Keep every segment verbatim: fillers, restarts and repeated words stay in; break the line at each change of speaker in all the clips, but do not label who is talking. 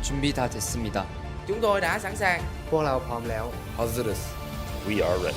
준비 다 됐습니다.
Chúng tôi đã sẵn sàng.
พวกเราพร้อมแล้ว
Hazırız.
We are ready.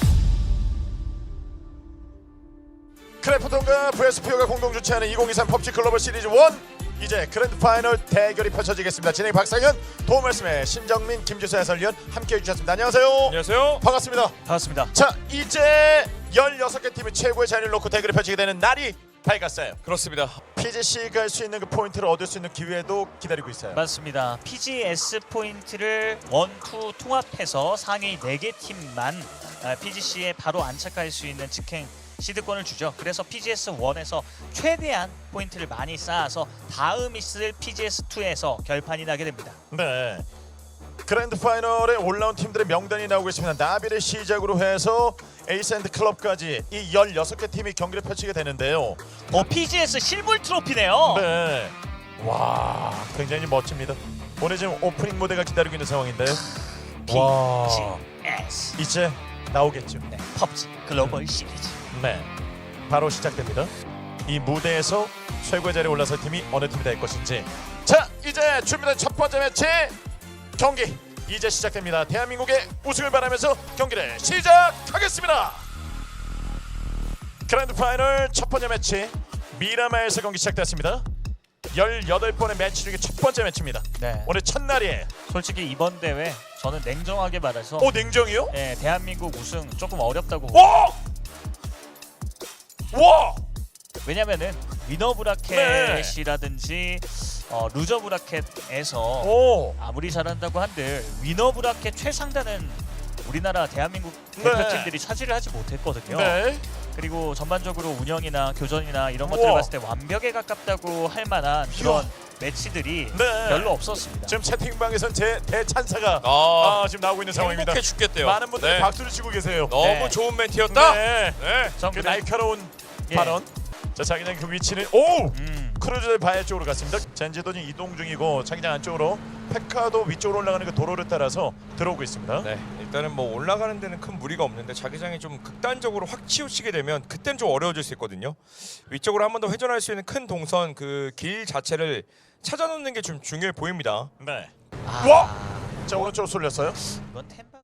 크래프톤과 브레스피어가 공동 주최하는 이천이십삼 펍지 글로벌 시리즈 일 이제 그랜드 파이널 대결이 펼쳐지겠습니다. 진행 박상현, 도움 말씀에 신정민, 김주수 해설위원 함께해 주셨습니다. 안녕하세요.
안녕하세요.
반갑습니다.
반갑습니다.
자, 이제 열여섯 개 팀이 최고의 자리를 놓고 대결이 펼치게 되는 날이 밝았어요.
그렇습니다.
피지씨가 할 수 있는 그 포인트를 얻을 수 있는 기회도 기다리고 있어요.
맞습니다. 피지에스 포인트를 원, 투 통합해서 상위 네 개 팀만 피지씨에 바로 안착할 수 있는 직행 시드권을 주죠. 그래서 피지에스 일에서 최대한 포인트를 많이 쌓아서 다음 있을 피지에스 이에서 결판이 나게 됩니다.
네. 그랜드 파이널에 올라온 팀들의 명단이 나오고 있습니다. 나비를 시작으로 해서 에이스앤드 클럽까지 이 열여섯 개 팀이 경기를 펼치게 되는데요.
어, 피지에스 실물 트로피네요.
네. 와, 굉장히 멋집니다. 오늘 지금 오프닝 무대가 기다리고 있는 상황인데요. 와,
피지에스
이제 나오겠죠.
네, 펍지 글로벌 시리즈.
네. 바로 시작됩니다. 이 무대에서 최고의 자리에 올라설 팀이 어느 팀이 될 것인지. 자, 이제 준비된 첫 번째 매치 경기 이제 시작됩니다. 대한민국의 우승을 바라면서 경기를 시작하겠습니다. 그랜드 파이널 첫 번째 매치 미라마에서 경기 시작됐습니다. 열여덟 번의 매치 중에 첫 번째 매치입니다.
네.
오늘 첫날이에요.
솔직히 이번 대회 저는 냉정하게 말해서
오, 냉정이요?
네, 대한민국 우승 조금 어렵다고.
와! 와!
왜냐면은 위너 브라켓이라든지 어, 루저 브라켓에서
오!
아무리 잘한다고 한들 위너 브라켓 최상단은 우리나라 대한민국
네.
대표팀들이 차지를 하지 못했거든요.
네.
그리고 전반적으로 운영이나 교전이나 이런 것들을
우와.
봤을 때 완벽에 가깝다고 할 만한 그런 매치들이
네.
별로 없었습니다.
지금 채팅방에선 제 대찬사가
아,
아, 지금 나오고 있는 상황입니다.
행복해 죽겠대요.
많은 분들이
네.
박수를 치고 계세요.
너무
네.
좋은 멘트였다.
네.
네.
전
그
그냥-
날카로운
예.
발언. 자, 자기장 그 위치는 오!
음,
크루즈의 바에 쪽으로 갔습니다. 젠지도 지금 이동 중이고 자기장 안쪽으로 페카도 위쪽으로 올라가는 그 도로를 따라서 들어오고 있습니다.
네, 일단은 뭐 올라가는 데는 큰 무리가 없는데 자기장이 좀 극단적으로 확 치우치게 되면 그때는 좀 어려워질 수 있거든요. 위쪽으로 한 번 더 회전할 수 있는 큰 동선 그 길 자체를 찾아놓는 게 좀 중요해 보입니다.
네.
아,
와! 자, 오른쪽으로 쏠렸어요.
이건 템바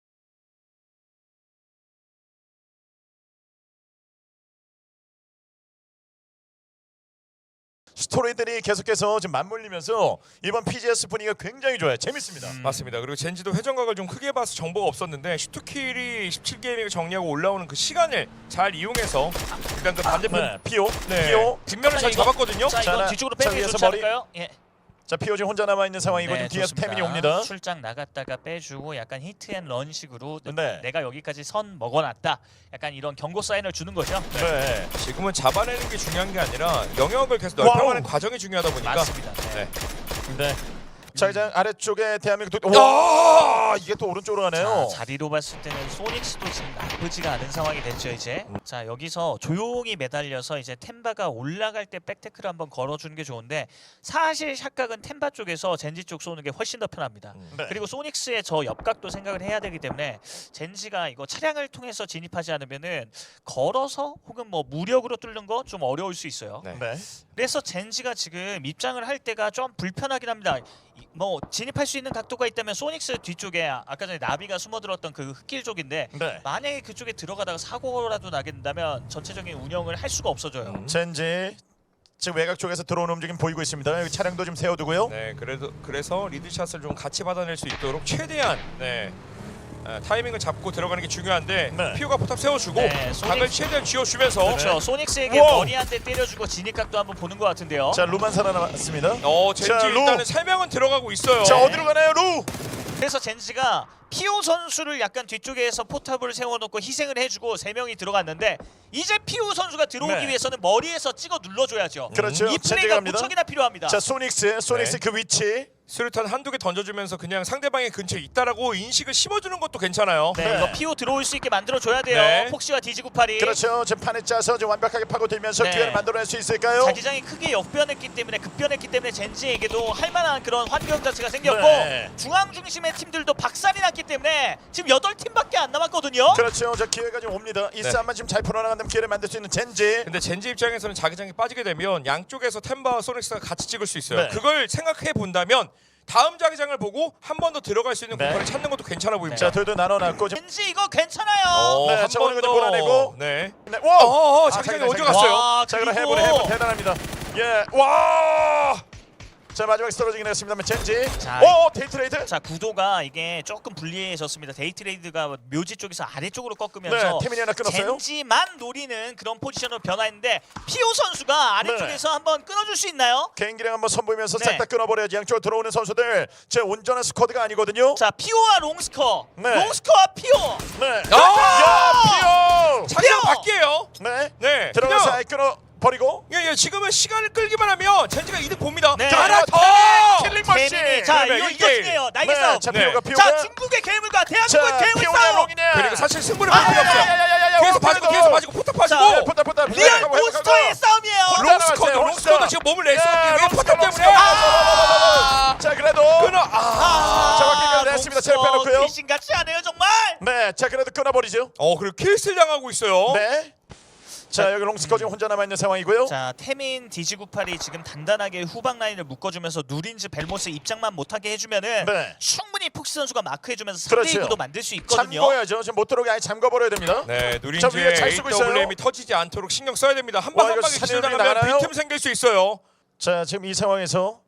스토리들이 계속해서 지금 맞물리면서 이번 피지에스 분위기가 굉장히 좋아요. 재밌습니다.
음.
맞습니다. 그리고 젠지도 회전각을 좀 크게 봐서 정보가 없었는데 슈트킬이 십칠 게이밍을 정리하고 올라오는 그 시간을 잘 이용해서 일단 그 반대편
네. 피오.
네.
피오.
뒷면을 잘
이거-
잡았거든요.
자,
자,
이건
나-
뒤쪽으로
자,
빼는 게
위에서
좋지
머리-
않을까요? 예.
자, 피오 지금 혼자 남아 있는 상황이고
네,
지금 뒤에서
좋습니다.
태민이 옵니다.
출장 나갔다가 빼주고 약간 히트앤런식으로
네.
내가 여기까지 선 먹어놨다. 약간 이런 경고 사인을 주는 거죠.
네.
지금은 잡아내는 게 중요한 게 아니라 영역을 계속
와우.
넓혀가는 과정이 중요하다 보니까
맞습니다. 네.
네.
네. 자기장 아래쪽에 대한민국 도 와! 이게 또 오른쪽으로 가네요.
자, 자리로 봤을 때는 소닉스도 지금 나쁘지가 않은 상황이 됐죠 이제. 자, 여기서 조용히 매달려서 이제 템바가 올라갈 때 백테크를 한번 걸어주는 게 좋은데 사실 샷각은 템바 쪽에서 젠지 쪽 쏘는 게 훨씬 더 편합니다.
네.
그리고 소닉스의 저 옆각도 생각을 해야 되기 때문에 젠지가 이거 차량을 통해서 진입하지 않으면은 걸어서 혹은 뭐 무력으로 뚫는 거 좀 어려울 수 있어요.
네.
네.
그래서 젠지가 지금 입장을 할 때가 좀 불편하긴 합니다. 이- 뭐 진입할 수 있는 각도가 있다면 소닉스 뒤쪽에 아- 아까 전에 나비가 숨어들었던 그 흙길 쪽인데
네.
만약에 그쪽에 들어가다가 사고라도 나게 된다면 전체적인 운영을 할 수가 없어져요.
음.
젠지 지금 외곽 쪽에서 들어오는 움직임 보이고 있습니다. 여기 차량도 좀 세워두고요.
네, 그래도 그래서 리드샷을 좀 같이 받아낼 수 있도록 최대한 네. 어, 타이밍을 잡고 들어가는 게 중요한데
네.
피오가 포탑 세워주고
네,
각을
소닉-
최대한 쥐어주면서
그렇죠. 소닉스에게
우와!
머리 한 대 때려주고 진입각도 한번 보는 것 같은데요.
자, 루만 살아남았습니다.
어 젠지
자, 루.
일단은 세 명은 들어가고 있어요.
자, 어디로 가나요, 루?
그래서 젠지가 피오 선수를 약간 뒤쪽에서 포탑을 세워놓고 희생을 해주고 세 명이 들어갔는데 이제 피오 선수가 들어오기
네.
위해서는 머리에서 찍어 눌러줘야죠.
그렇죠.
이
젠지가
플레이가
갑니다.
무척이나 필요합니다.
자, 소닉스, 소닉스
네.
그 위치.
수류탄 한두 개 던져주면서 그냥 상대방의 근처에 있다라고 인식을 심어주는 것도 괜찮아요.
네,
네.
이거 피오 들어올 수 있게 만들어줘야 돼요.
네.
폭시와 디지구팔이.
그렇죠. 지금 판에 짜서 지금 완벽하게 파고들면서
네.
기회를 만들어낼 수 있을까요?
자기장이 크게 역변했기 때문에 급변했기 때문에 젠지에게도 할 만한 그런 환경 자체가 생겼고
네.
중앙 중심의 팀들도 박살이 났기 때문에 지금 여덟 팀밖에 안 남았거든요.
그렇죠. 자, 기회가 지금 옵니다. 이
네.
싸움만 지금 잘 풀어나간다면 기회를 만들 수 있는 젠지.
근데 젠지 입장에서는 자기장이 빠지게 되면 양쪽에서 템바와 소닉스가 같이 찍을 수 있어요.
네.
그걸 생각해 본다면 다음 자기장을 보고 한 번 더 들어갈 수 있는
네.
공간을 찾는 것도 괜찮아 보입니다.
자, 둘도 나눠놨고 지금
젠지 이거 괜찮아요.
어,
네,
한
자,
번
오늘
더.
몰아내고.
네.
네. 와!
어, 어,
아,
자기장이
자기장,
어디
자기장.
갔어요?
와,
자, 그럼
그리고
해보네 해보 대단합니다. 예, 와! 자, 마지막에 쓰러지긴 했습니다만 젠지.
자,
오, 데이트레이드.
자 구도가 이게 조금 불리해졌습니다. 데이트레이드가 묘지 쪽에서 아래쪽으로
네,
꺾으면서
태민이 하나 끊었어요.
젠지만 노리는 그런 포지션으로 변화했는데 피오 선수가 아래쪽에서 한번 끊어줄 수 있나요?
개인기량 한번 선보이면서
네.
싹 다 끊어버려야지. 양쪽으로 들어오는 선수들 제 온전한 스쿼드가 아니거든요.
자 피오와 롱스커,
네.
롱스커와 피오.
네.
아!
야, 피오.
자기장
피오!
바뀌에요.
네.
네.
들어가서
그냥-
아예 끊어 버리고.
예, 예, 지금은 시간을 끌기만 하면 젠지가 이득 봅니다.
네.
하나 더.
킬링 머신.
태민이 자
그러면
이거
일
이거
대일.
중요해요. 날개
네,
싸움.
자,
네.
피오가 피오가.
자 중국의 괴물과 대한민국의
자,
괴물
피오냐
싸움.
롱이냐.
그리고 사실 승부를
아,
볼 필요 없어요.
야야야야야야.
뒤에서 빠지고 뒤에서 빠지고 포탑 빠지고.
자,
포탑 포탑.
리얼 몬스터의 싸움이에요.
롱-
롱스커도 롱스커도 지금 몸을 낼 수밖에
예,
왜 포탑
롱스커,
때문에.
롱스커.
아!
자, 그래도
끊어. 아.
아,
자, 바뀌게 됐습니다. 제일 빼놓고요.
귀신 같지 않아요 정말.
네, 자 그래도 끊어버리죠.
어, 그리고 킬스틸 당하고 있어요.
네. 자, 여기 롱스커 지금 혼자 남아 있는 상황이고요.
자 태민 디지구팔이 지금 단단하게 후방 라인을 묶어주면서 누린즈 벨모스 입장만 못하게 해주면은
네.
충분히 폭시 선수가 마크해주면서 삼 대 이
그렇죠.
구도 만들 수 있거든요.
잠궈야죠. 지금 못 들어오게 아예 잠궈버려야 됩니다.
네,
저 위에
누린지의
잘 쓰고 있어요.
에이더블유엠이 터지지 않도록 신경 써야 됩니다. 한
와,
방 한
이거
방에 기술
사냥이
당하면
나가나요?
빈틈 생길 수 있어요.
자, 지금 이 상황에서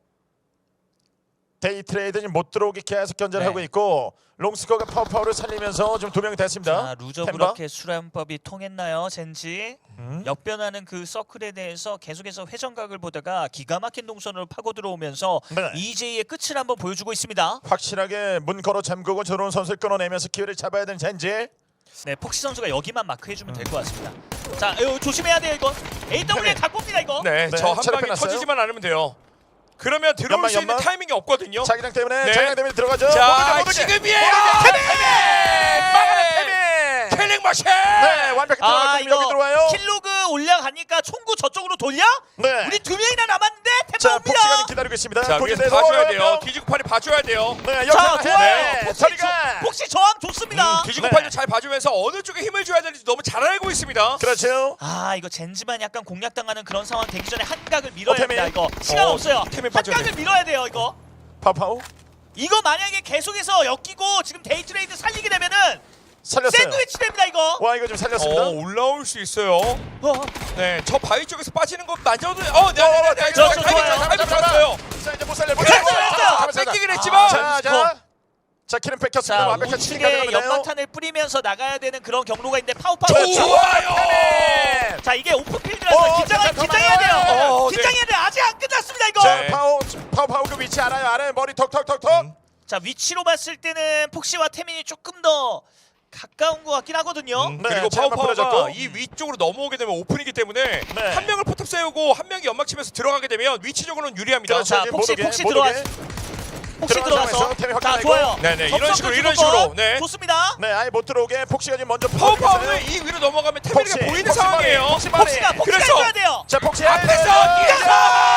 데이 트레이드는 못 들어오게 계속 견제를
네.
하고 있고 롱스커가 파워파워를 살리면서 지금 두 명이 됐습니다.
자 루저
템바.
그렇게 수련법이 통했나요 젠지?
음.
역변하는 그 서클에 대해서 계속해서 회전각을 보다가 기가 막힌 동선으로 파고 들어오면서
네.
이제이의 끝을 한번 보여주고 있습니다.
확실하게 문 걸어 잠그고 들어온 선수를 끊어내면서 기회를 잡아야 되는 젠지.
네, 폭시 선수가 여기만 마크해주면 될 것 같습니다. 자, 이거 조심해야 돼요 이거. 에이더블유에 갖고 옵니다 이거.
네,
네,
저 한
차례
방에
끝났어요.
터지지만 않으면 돼요. 그러면 들어올
연막,
수 있는
연막.
타이밍이 없거든요.
자기장 때문에
네.
자기장 때문에 들어가죠.
자,
모두게, 모두게.
지금이에요.
모두게.
태민!
막아내 태민.
킬링 머신!
네, 완벽히
아
들어가고 여기
이거
들어와요.
킬로그 올라가니까 총구 저쪽으로 돌려?
네.
우리 두 명이나 남았는데
자,
템바
폭시가
옵니다.
기다리고 있습니다.
자,
거기에
위에서
대해서
봐줘야
어,
돼요.
어,
뒤지고팔이 봐줘야 돼요.
네,
자,
여기서
좋아요.
해.
폭시,
저리가.
조, 폭시 저항 좋습니다.
음, 뒤지고팔도
네.
잘 봐주면서 어느 쪽에 힘을 줘야 되는지 너무 잘 알고 있습니다.
그렇죠.
아 이거 젠지만 약간 공략당하는 그런 상황 되기 전에 한각을 밀어야
어, 태민.
합니다 이거. 시간
어,
없어요.
태민 빠져야
한각을 밀어야 돼요 이거.
파파오
이거 만약에 계속해서 엮이고 지금 데이트레이드 살리게 되면은
살렸어요.
샌드위치 됩니다 이거.
와, 이거 좀 살렸습니다.
어, 올라올 수 있어요.
어.
네, 저 바위 쪽에서 빠지는 것 마저도 어, 네, 네, 네, 네,
저,
저
저
타이밍
좋아요.
좋았어요. 타이밍 좋았어요.
자, 이제 못 살려. 못
됐어요,
살려.
됐어요.
아, 잡았습니다.
뺏기긴 했지만
자, 자. 자, 킬은 뺏겼습니다.
자
완벽한 치기가
우측에
들어가네요.
연막탄을 뿌리면서 나가야 되는 그런 경로가 있는데 파우파우.
그렇죠.
좋아요.
자 이게 오픈필드라서
어,
긴장
자,
긴장해야 돼요.
어, 네.
긴장해야 돼. 아직 안 끝났습니다 이거.
자,
네.
파오 파오 파오 그 위치 알아요. 알아요. 머리 톡톡톡톡.
음.
자 위치로 봤을 때는 폭시와 태민이 조금 더 가까운 것 같긴 하거든요.
음,
네,
그리고
자, 한번
파워파워가
부러졌고.
이 위쪽으로 넘어오게 되면 오픈이기 때문에
네.
한 명을 포탑 세우고 한 명이 연막 치면서 들어가게 되면 위치적으로는 유리합니다.
그렇죠.
자
이제
폭시
못 오게,
폭시
못
들어와.
오게.
폭시
들어간
들어가서.
상황에서 태민
자
확인하고.
좋아요.
네네, 이런
접속
식으로,
끝
이런
주는 거
식으로. 네.
좋습니다.
네, 아예 못 들어오게 폭시가 지금 먼저
파워파워는 이 위로 넘어가면 태민이가
폭시,
보이는
폭시
상황이에요.
머리, 폭시 머리.
폭시가 폭시가
그래서-
해줘야 돼요.
자, 폭시
앞에서 뛰어서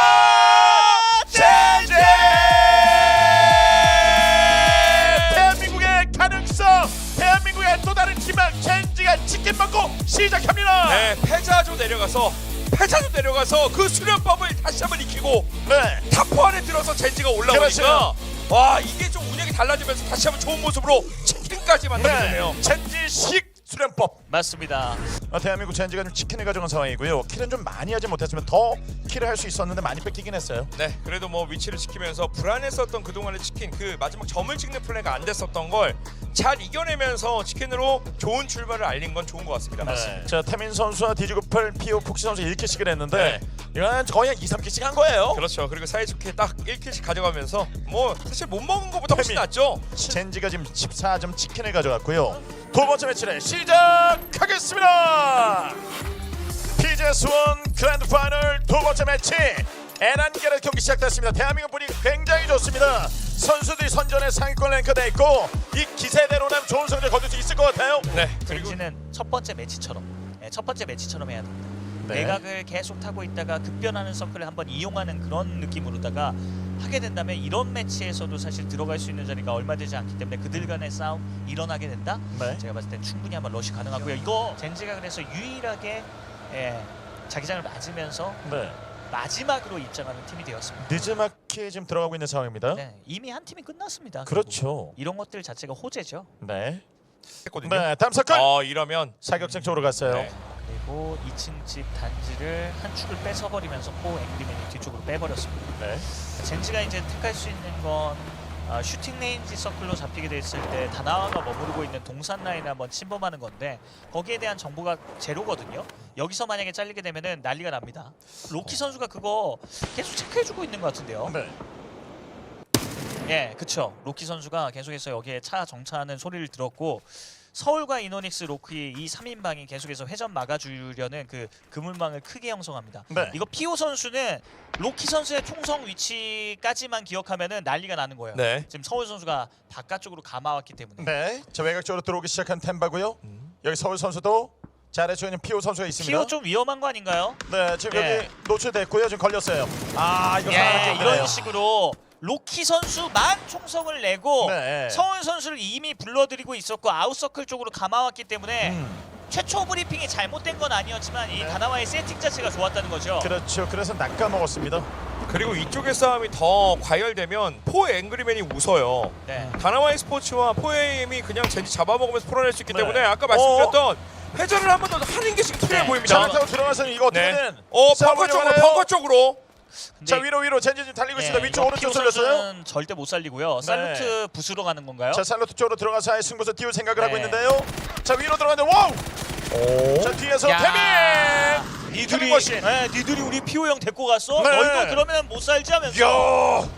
젠지! 대한민국의 가능성, 대한민국의 또 다른 희망, 젠지가 치킨 먹고 시작합니다.
네, 패자조 내려가서 패자조 내려가서 그 수련법을 다시 한번 익히고
네.
탑포 안에 들어서 젠지가 올라오니까
그렇죠.
와 이게 좀 운영이 달라지면서 다시 한번 좋은 모습으로 치킨까지 만들어내네요.
네. 젠지식 수련법.
맞습니다.
어, 대한민국 젠지가 좀 치킨을 가져간 상황이고요. 킬은 좀 많이 하지 못했으면 더 킬을 할 수 있었는데 많이 뺏기긴 했어요.
네, 그래도 뭐 위치를 지키면서 불안했었던 그동안의 치킨 그 마지막 점을 찍는 플레이가 안 됐었던 걸 잘 이겨내면서 치킨으로 좋은 출발을 알린 건 좋은 것 같습니다.
네. 자, 태민 선수와 디지구팔 피오 폭시 선수 일 킬씩을 했는데
네.
이건 거의 한 이, 삼 킬씩 한 거예요.
그렇죠. 그리고 사이좋게 딱 일 킬씩 가져가면서 뭐 사실 못 먹은 것보다 훨씬
태민.
낫죠.
젠지가 지금 십사 점 치킨을 가져갔고요. 두 번째 매치를 시작하겠습니다. 피지에스 원 그랜드 파이널 두 번째 매치 에란겔의 경기 시작됐습니다. 대한민국 분위기 굉장히 좋습니다. 선수들이 선전에 상위권 랭크돼 있고 이 기세대로라면 좋은 성적 거둘 수 있을 것 같아요.
네, 그리고
젠지는 첫 번째 매치처럼 네, 첫 번째 매치처럼 해야 됩니다.
네.
내각을 계속 타고 있다가 급변하는 서클을 한번 이용하는 그런 느낌으로다가 하게 된다면 이런 매치에서도 사실 들어갈 수 있는 자리가 얼마 되지 않기 때문에 그들 간의 싸움 일어나게 된다?
네.
제가 봤을 땐 충분히 한번 러시 가능하고요. 이거 젠지가 그래서 유일하게 예, 자기장을 맞으면서
네.
마지막으로 입장하는 팀이 되었습니다.
늦지막히 지금 들어가고 있는 상황입니다.
네, 이미 한 팀이 끝났습니다.
그렇죠.
결국. 이런 것들 자체가 호재죠.
네.
했거든요.
네, 다음 사건.
어 이러면
사격장 쪽으로 갔어요.
네.
그리고 이 층 집 단지를 한 축을 뺏어버리면서 포 앵그리맨이 뒤쪽으로 빼버렸습니다.
네.
젠지가 이제 택할 수 있는 건 아, 슈팅 레인지 서클로 잡히게 됐을 때 다나와가 머무르고 있는 동산 라인을 한번 침범하는 건데 거기에 대한 정보가 제로거든요. 여기서 만약에 잘리게 되면은 난리가 납니다. 로키 선수가 그거 계속 체크해주고 있는 것 같은데요.
네.
예, 그쵸. 로키 선수가 계속해서 여기에 차 정차하는 소리를 들었고 서울과 이노닉스 로키 이 삼 인방이 계속해서 회전 막아주려는 그 그물망을 크게 형성합니다.
네.
이거 피오 선수는 로키 선수의 총성 위치까지만 기억하면은 난리가 나는 거예요.
네.
지금 서울 선수가 바깥쪽으로 감아왔기 때문에.
네. 자, 외곽 쪽으로 들어오기 시작한 템바고요. 여기 서울 선수도 잘해주고 있는 피오 선수가 있습니다.
피오 좀 위험한 거 아닌가요?
네, 지금
예.
여기 노출됐고요. 지금 걸렸어요. 아, 이거
예,
상황이
이런
힘드네요.
식으로 로키 선수만 총성을 내고
네.
서울 선수를 이미 불러들이고 있었고 아웃서클 쪽으로 감아왔기 때문에
음,
최초 브리핑이 잘못된 건 아니었지만 이
네.
다나와의 세팅 자체가 좋았다는 거죠.
그렇죠. 그래서 낚아 먹었습니다.
그리고 이쪽의 싸움이 더 과열되면 포 앵그리맨이 웃어요.
네.
다나와이 스포츠와 포에임이 그냥 젠지 잡아먹으면서 풀어낼 수 있기
네.
때문에 아까 말씀드렸던 회전을 한 번 더 하는 게 지금 필요해
네.
보입니다.
자, 타고 들어가서는 이거
네.
어떻게든
어
싸움을
벙커 쪽으로
이용하나요?
벙커 쪽으로.
근데
자, 위로 위로 젠지 지금 달리고 있습니다.
네,
위쪽
이거
오른쪽
피오
돌렸어요.
선수는 절대 못 살리고요. 살루트 부수러 가는 건가요?
자, 살로트 쪽으로 들어가서 아예 승부수 띄울 생각을 하고
네.
있는데요. 자, 위로 들어가는데 와우!
오.
자, 뒤에서
야.
태민!
니들이
태민 머신!
네, 니들이 우리 피오 형 데리고 갔어?
네.
너희도 그러면 못 살지 하면서
야!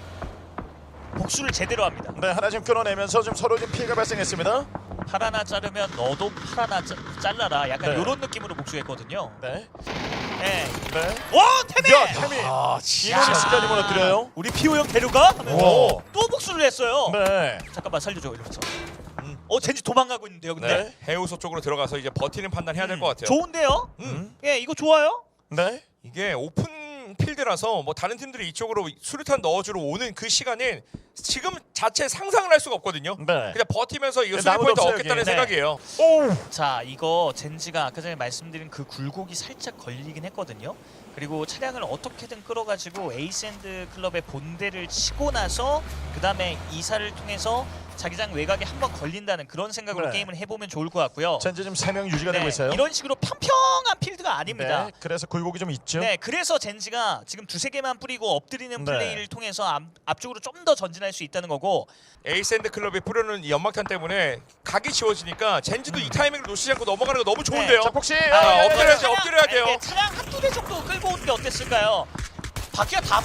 복수를 제대로 합니다.
네, 하나 지금 끊어내면서 좀 서로 좀 피해가 발생했습니다.
팔 하나 자르면 너도 팔 하나 짜, 잘라라. 약간
네.
이런 느낌으로 복수했거든요.
네.
네.
네.
와 태민!
야, 태민!
아
이노닉스까지 무너뜨려요.
우리 피오 형 데려가? 하면서
오.
또 복수를 했어요.
네.
잠깐만 살려줘 이러면서.
음.
어 젠지 도망가고 있는데요. 근데
네.
해우소 쪽으로 들어가서 이제 버티는 판단 해야 될 것 같아요.
좋은데요?
음.
예 이거 좋아요.
네.
이게 오픈 필드라서 뭐 다른 팀들이 이쪽으로 수류탄 넣어주러 오는 그 시간은 지금 자체 상상을 할 수가 없거든요.
네.
그냥 버티면서 이거
네,
수리
나무도
포인트
없어요,
얻겠다는
여기.
생각이에요.
오!
자 이거 젠지가 아까 전에 말씀드린 그 굴곡이 살짝 걸리긴 했거든요. 그리고 차량을 어떻게든 끌어가지고 에이샌드 클럽의 본대를 치고 나서 그 다음에 이사를 통해서 자기장 외곽에 한번 걸린다는 그런 생각으로
네.
게임을 해보면 좋을 것 같고요.
젠지 지금 세 명 유지가 되고
네,
있어요.
이런 식으로 평평한 필드가 아닙니다.
네. 그래서 굴곡이 좀 있죠.
네, 그래서 젠지가 지금 두세 개만 뿌리고 엎드리는
네.
플레이를 통해서 앞, 앞쪽으로 좀 더 전진할 수 있다는 거고.
에이샌드 클럽이 뿌려놓은 이 연막탄 때문에 각이 지워지니까 젠지도 이 타이밍을 놓치지 않고 넘어가는 거 너무 좋은데요.
자, 폭시.
아,
아,
예,
엎드려야죠,
차량,
엎드려야 돼요.
예, 차량 한두 대 정도 끌고 온 게 어땠을까요? 바퀴가 다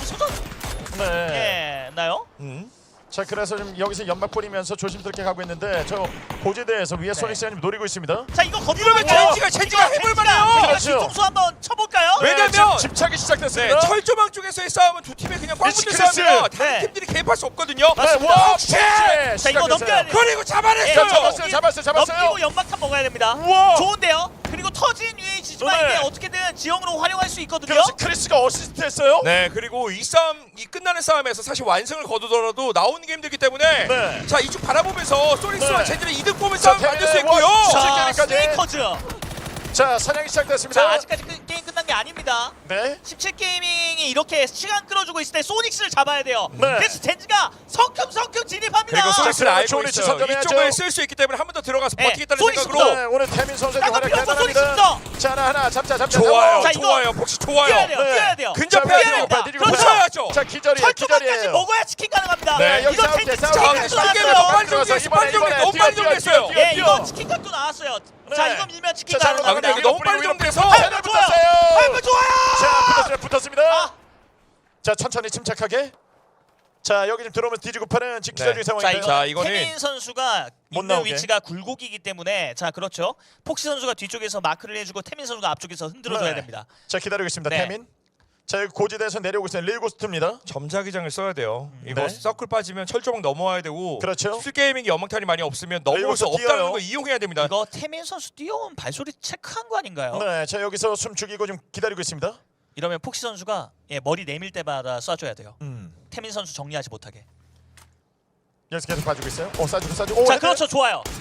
네.
부서졌나요?
음.
자, 그래서 지금 여기서 연막 뿌리면서 조심스럽게 가고 있는데 저 고지대에서 위에 소닉스가 지금 노리고 있습니다.
자, 이거 거기
이러면 젠지가 젠지가 해볼 만해요.
그렇죠.
뒤통수 한번 쳐볼까요?
왜? 왜냐면-
네, 지금 집착이
네,
시작됐습니다.
철조망 쪽에서의 싸움은 두 팀이 그냥 꽉 붙는
미치크리스.
싸움이라 다른
네.
팀들이 개입할 수 없거든요.
네, 와,
폭시!
자, 이거 넘겨야 돼요.
그리고
예,
잡아냈어요.
잡았어요, 잡았어요, 잡았어요.
넘기고 연막탄 먹어야 됩니다.
우와.
좋은데요? 그리고 터진 유에이치지만
네.
이게 어떻게든 지형으로 활용할 수 있거든요.
그래서 크리스가 어시스트했어요.
네, 그리고 이 싸움, 이 끝나는 싸움에서 사실 완승을 거두더라도 나오는 게 힘들기 때문에
네.
자 이쪽 바라보면서 소닉스와
네.
젠지는 이득 보면
자,
싸움 만들 수
네,
있고요.
와,
자,
십칠 게임까지.
스네이커즈.
자, 사냥이 시작됐습니다.
자, 아직까지 그, 게임 끝난 게 아닙니다.
네.
십칠 게이밍이 이렇게 시간 끌어주고 있을 때 소닉스를 잡아야 돼요.
네.
그래서 젠지가 성큼성큼 진입합니다.
그리고 소닉스를
자,
알고
좋은 위치
있어요.
선점해야죠.
이쪽을 쓸 수 있기 때문에 한 번 더 들어가서
네,
버티겠다는
소닉스부터.
생각으로
네, 오늘 태민 선수의
딴거
활약
필요 없어,
대단합니다.
소닉스부터.
자, 하나 하나 잡자, 잡자.
좋아요,
자, 이거
좋아요, 폭시
뛰어야
좋아요.
돼요.
네.
뛰어야 돼요.
근접해야죠.
뛰어야 된다.
뒤지고
그렇죠.
붙여야죠.
자, 기절이에요.
철조망까지
기절이에요.
먹어야 치킨 가능합니다.
네, 여기
이거
싸울게,
젠지
싸울게.
자,
치킨
근데
각도
설계가
나왔어요.
너무 빨리 정리했어. 빨리 정리해. 너무 빨리 정리했어요.
예, 이거 치킨 각도 나왔어요. 자,
네.
이거 밀면 치킨
자,
가능.
아, 근데 이게 너무 빨리 정리해서
자, 붙었어요.
아이고 좋아요.
자, 붙었습니다. 붙었습니다.
아.
자, 천천히 침착하게. 자, 여기 지금 들어오면 뒤지고 파는 지금 기절
네.
중인
자,
상황인데.
이거
자, 이거는-
태민 선수가
못
있는
나오게.
위치가 굴곡이기 때문에 자, 그렇죠. 폭시 선수가 뒤쪽에서 마크를 해주고 태민 선수가 앞쪽에서 흔들어줘야
네.
됩니다.
자, 기다리고 있습니다.
네.
태민. 자, 여기 고지대에서 내려오고 있어요. 릴고스트입니다.
점자기장을 써야 돼요. 이거
네.
서클 빠지면 철조망 넘어와야 되고
그렇죠.
술게이밍이 연막탄이 많이 없으면 넘어올 수
여기서
없다는
뛰어요.
거 이용해야 됩니다.
이거 태민 선수 뛰어온 발소리 체크한 거 아닌가요?
네, 자, 여기서 숨 죽이고 좀 기다리고 있습니다.
이러면 폭시 선수가 예, 머리 내밀 때마다 쏴줘야 돼요.
음.
태민 선수 정리하지 못하게.
여기서 계속 봐주고 있어요. 오, 쏴주고 쏴주고. 오,
자,
헤드.
그렇죠. 좋아요.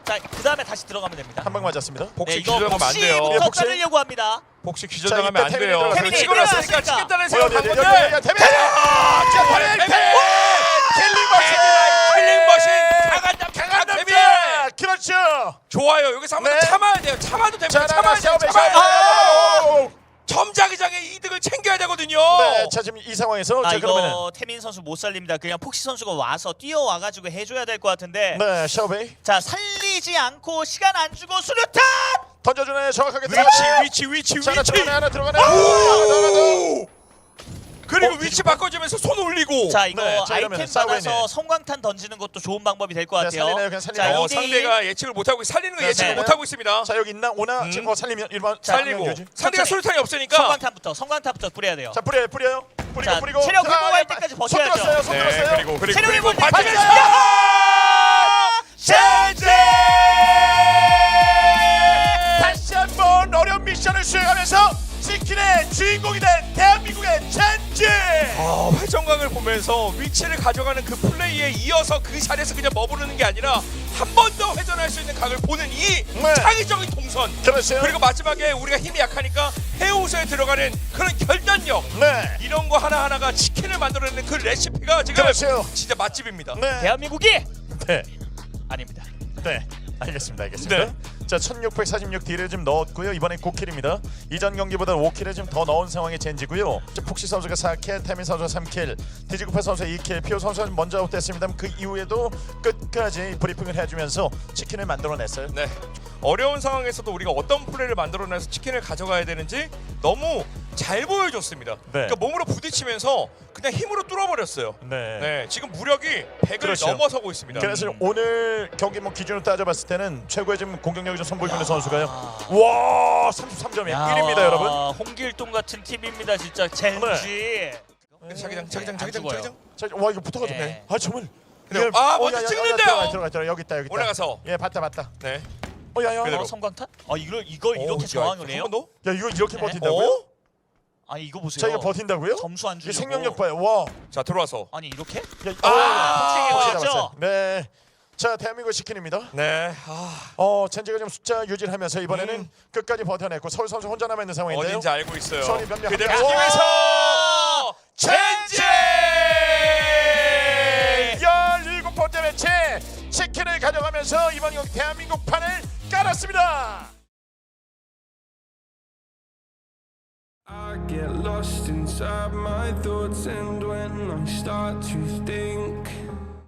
자, 그 다음에 다시 들어가면 됩니다.
한 방 맞았습니다.
복식
네, 이거
기절당하면 안 돼요.
예,
복시부터
복시.
자르려고 합니다.
복식
자,
기절당하면 안
이때
돼요.
태민이
태민이
치고 났으니까
들어갔으니까.
치겠다는
어디
생각
어디
한
어디
건데.
어디 태민. 자, 태민 태민. 킬링 머신.
킬링 머신 강한 남자
강한
태민.
남자. 그렇죠.
좋아요. 여기서 한번
네.
참아야 돼요. 참아도 됩니다.
자,
참아야
나가
돼요.
싸움에
참아야 돼요.
아!
점자기장의 이득을 챙겨야 되거든요.
네, 자 지금 이 상황에서
아
자 그러면은
이거 태민 선수 못 살립니다. 그냥 폭시 선수가 와서 뛰어와가지고 해줘야 될 것 같은데.
네, 샤오베이
자 살리지 않고 시간 안 주고 수류탄.
던져주네 정확하게
위치
들어가네.
위치 위치
자, 하나
위치.
들어가네 하나 들어가네. 하나 들어가네.
그리고
어,
위치
뒤집어.
바꿔주면서 손 올리고.
자 이거
네, 자, 이러면
아이템
싸우겠네.
받아서 성광탄 던지는 것도 좋은 방법이 될 것
네,
같아요.
살리네요, 그냥 살리네요.
자,
어,
이 대 일.
상대가 예측을 못하고 살리는 거
네,
예측을
네.
못하고 있습니다.
자 여기 있나 오나
음.
지금 뭐 살리면 일반
살리고
유지.
상대가
천천히.
수류탄이 없으니까.
성광탄부터 성광탄부터 뿌려야 돼요.
자 뿌려요 뿌려요. 뿌리고
자,
뿌리고.
체력
자,
회복할
야,
때까지
손
버텨야죠.
들었어요. 손
네
들었어요.
그리고 그리고
체력
그리고
회복할 때까지.
반칙을.
젠지 다시 한번 어려운 미션을 수행하면서 치킨의 주인공이 된 대한민국의 젠지.
아, 회전광을 보면서 위치를 가져가는 그 플레이에 이어서 그 자리에서 그냥 머무르는 게 아니라 한 번 더 회전할 수 있는 각을 보는 이
네.
창의적인 동선.
그렇죠.
그리고 마지막에 우리가 힘이 약하니까 해우소에 들어가는 그런 결단력.
네.
이런 거 하나하나가 치킨을 만들어내는 그 레시피가 지금
그렇죠.
진짜 맛집입니다.
네.
대한민국이
네.
아닙니다.
네. 알겠습니다. 알겠습니다.
네.
자 천육백사십육 딜을 좀 넣었고요. 이번엔 구 킬입니다. 이전 경기보다 오 킬을 좀 더 넣은 상황의 젠지고요. 폭시 선수가 사 킬, 태민 선수가 삼 킬, 디지구파 선수가 이 킬, 피오 선수는 먼저 아웃됐습니다. 그 이후에도 끝까지 브리핑을 해주면서 치킨을 만들어냈어요.
네. 어려운 상황에서도 우리가 어떤 플레이를 만들어내서 치킨을 가져가야 되는지 너무 잘 보여줬습니다. 그러니까 몸으로 부딪히면서 그냥 힘으로 뚫어버렸어요.
네.
네, 지금 무력이 백을
그렇죠.
넘어서고 있습니다.
그래서 오늘 경기 뭐 기준으로 따져봤을 때는 최고의 지금 공격력이 좀 선보이는 선수가요.
아.
와 삼십삼 점이
야,
일 위입니다, 여러분.
홍길동 같은 팀입니다, 진짜 젠지.
자기장, 자기장,
안
자기장,
죽어요.
자기장.
자, 와 이거 붙어가지고
네.
아 정말.
그래요.
예.
아,
어,
먼저
야, 야, 야,
찍는데요.
들어가, 들어가, 들어가. 여기 있다, 여기 있다.
올라가서.
예, 봤다, 봤다.
네.
어, 야, 야,
그대로.
야.
어, 성광탄? 아 이걸 이걸 이렇게
오,
저항을
야,
해요?
한 번 더?
야, 이거 이렇게
네.
버틴다고요?
어?
아니 이거 보세요.
자, 이거 버틴다고요?
점수 안
이
주려고.
생명력 봐요. 와.
자, 들어와서.
아니 이렇게?
야,
아,
아,
복싱이
잡았어요.
걸렸죠?
네. 자, 대한민국 치킨입니다.
네. 아,
어, 젠지가 좀 숫자 유지를 하면서 이번에는
음.
끝까지 버텨냈고 서울 선수 혼자 남아 있는 상황인데요.
어딘지 알고 있어요.
선이 변명
그대로
함께.
팀에서
아!
젠지!
열일곱 번째 매치 치킨을 가져가면서 이번 경기 대한민국 판을 깔았습니다.
I get lost inside my thoughts, and when I start to think